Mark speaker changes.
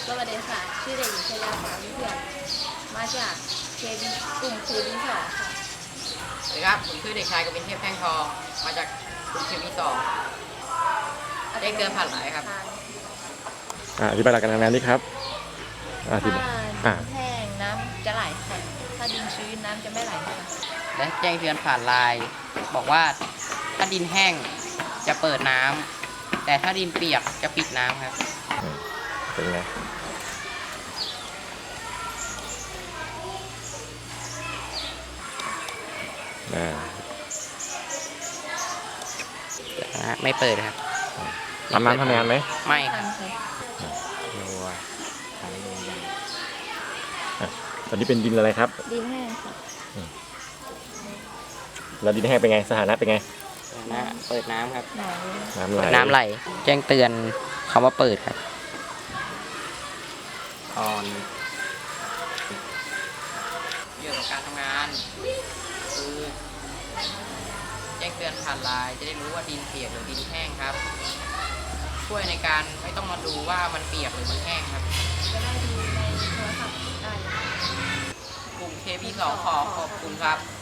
Speaker 1: สวัสดีค่ะชื่อเด็กหญิงชยาภาวิเถื่อนมาจากกลุ่มKB2ค่ะ
Speaker 2: สวัสดีครับผมชื่อเด็กชายกวินเทพแท่งทองมาจากกลุ่มKB2แจ้งเตือนผ่านหลายครับ
Speaker 3: อธิบายหลักการทำงานนี้ครับอธิบาย
Speaker 1: ถ้าดินแห้งน้ำจะไหลค่ะถ้าดินชื้นน้ำจะไม่ไหลค่ะ
Speaker 2: และแจ้งเตือนผ่านไลน์บอกว่าถ้าดินแห้งจะเปิดน้ำแต่ถ้าดินเปียกจะปิดน้ำครับ
Speaker 3: เป็นไง
Speaker 2: ไม่เปิดครับ
Speaker 3: ทำน้ำทำงานไหม
Speaker 2: ไม่ค
Speaker 1: ทั
Speaker 2: รับ
Speaker 1: นค่ะ
Speaker 3: ตอนนี้เป็นดินอะไรครับ
Speaker 1: ดินแห้งค่ะ
Speaker 3: แล้วดินแห้งเป็นไงสถานะเป็นไง
Speaker 2: เปิดน้ำครับ
Speaker 1: หนาว
Speaker 3: น้ำไหล
Speaker 2: น้ำไหลแจ้งเตือนคำว่าเปิดครับออนเรื่องของการทำงานคือแจ้งเตือนผ่านไลน์จะได้รู้ว่าดินเปียกหรือดินแห้งครับช่วยในการไม่ต้องมาดูว่ามันเปียกหรือมันแห้งครับ
Speaker 1: จะได้ดูในโทรศัพท์ได้เลย
Speaker 2: กลุ่ม KB2 ขอบคุณครับ